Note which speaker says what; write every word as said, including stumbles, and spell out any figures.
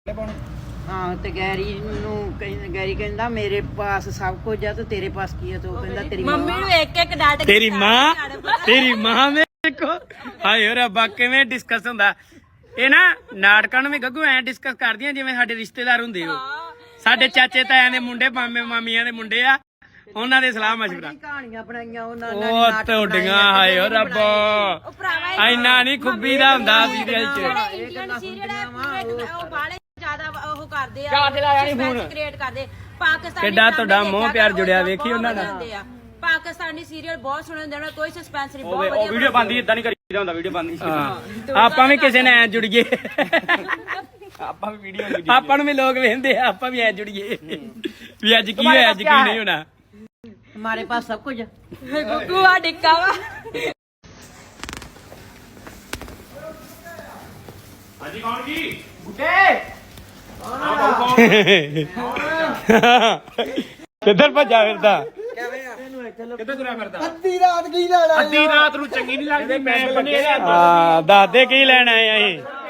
Speaker 1: हाँ तो गैरी नू गैरी कहंदा मेरे पास सब कुछ है तो तेरे पास की है तो कहंदा तेरी
Speaker 2: मम्मी नू एक एक डांट
Speaker 3: तेरी मां तेरी मां मेरे को हाय ਓ ਰੱਬਾ ਕਿਵੇਂ ਡਿਸਕਸ ਹੁੰਦਾ ਇਹ ਨਾ ਨਾਟਕਾਂ ਨੂੰ ਵੀ ਗੱਗੂ ਐ ਡਿਸਕਸ ਕਰਦੀਆਂ ਜਿਵੇਂ ਸਾਡੇ ਰਿਸ਼ਤੇਦਾਰ ਹੁੰਦੇ ਹੋ ਸਾਡੇ ਚਾਚੇ ਤਾਇਆਂ ਦੇ ਮੁੰਡੇ ਮਾਮੇ ਮਾਮੀਆਂ ਦੇ ਮੁੰਡੇ ਆ ਉਹਨਾਂ ਦੇ ਸਲਾਹ ਮਸ਼ਵਰਾ
Speaker 1: ਕਹਾਣੀਆਂ ਬਣਾਈਆਂ ਉਹਨਾਂ ਨੇ
Speaker 3: ਉਹ ਤੁਹਾਡੀਆਂ ਹਾਏ ਓ ਰੱਬਾ ਇੰਨਾ ਨਹੀਂ ਖੁੱਬੀ ਦਾ ਹੁੰਦਾ ਸੀਰੀਅਲ ਚ
Speaker 2: ਇੰਡੀਅਨ ਸੀਰੀਅਲ ਹੈ ਉਹ ਬਾਲੇ ਜ਼ਿਆਦਾ ਉਹ ਕਰਦੇ ਆ ਕ੍ਰੀਏਟ ਕਰਦੇ ਪਾਕਿਸਤਾਨੀ
Speaker 3: ਕਿੱਡਾ ਤੁਹਾਡਾ ਮੋਹ ਪਿਆਰ ਜੁੜਿਆ ਵੇਖੀ ਉਹਨਾਂ ਨਾਲ
Speaker 2: ਪਾਕਿਸਤਾਨੀ ਸੀਰੀਅਲ ਬਹੁਤ ਸੋਹਣੇ ਹੁੰਦੇ ਨੇ ਕੋਈ ਸਸਪੈਂਸ ਨਹੀਂ ਬਹੁਤ
Speaker 3: ਉਹ
Speaker 2: ਵਧੀਆ
Speaker 3: ਵੀਡੀਓ ਬੰਦੀ ਇਦਾਂ ਨਹੀਂ ਕਰੀਦਾ ਹੁੰਦਾ ਵੀਡੀਓ ਬੰਦੀ ਆਪਾਂ ਵੀ ਕਿਸੇ ਨੇ ਐ ਜੁੜੀਏ ਆਪਾਂ ਵੀ ਵੀਡੀਓ ਆਪਾਂ ਨੂੰ ਵੀ ਲੋਕ ਵੇਖਦੇ ਆ ਆਪਾਂ ਵੀ ਐ ਜੁੜੀਏ ਵੀ ਅੱਜ ਕੀ ਹੋਇਆ ਅੱਜ ਕੀ ਨਹੀਂ ਹੋਣਾ
Speaker 1: हमारे पास सब कुछ है
Speaker 2: ਗੁੱਗੂ ਆ ਡਿੱਕਾ ਵਾ
Speaker 3: ਹਾਂਜੀ ਕੌਣ ਜੀ ਕਿੱਧਰ ਭੱਜਾ ਫਿਰਦਾ ਕਿੱਧਰ ਤੁਰਿਆ ਫਿਰਦਾ
Speaker 1: ਅੱਧੀ ਰਾਤ ਕੀ ਲੈਣਾ
Speaker 3: ਅੱਧੀ ਰਾਤ ਨੂੰ ਚੰਗੀ ਨਹੀਂ ਲੱਗਦੀ ਮੈਂ ਬਣੇ ਆ ਦੱਸ ਦੇ ਕੀ ਲੈਣ ਆਏ ਅਸੀਂ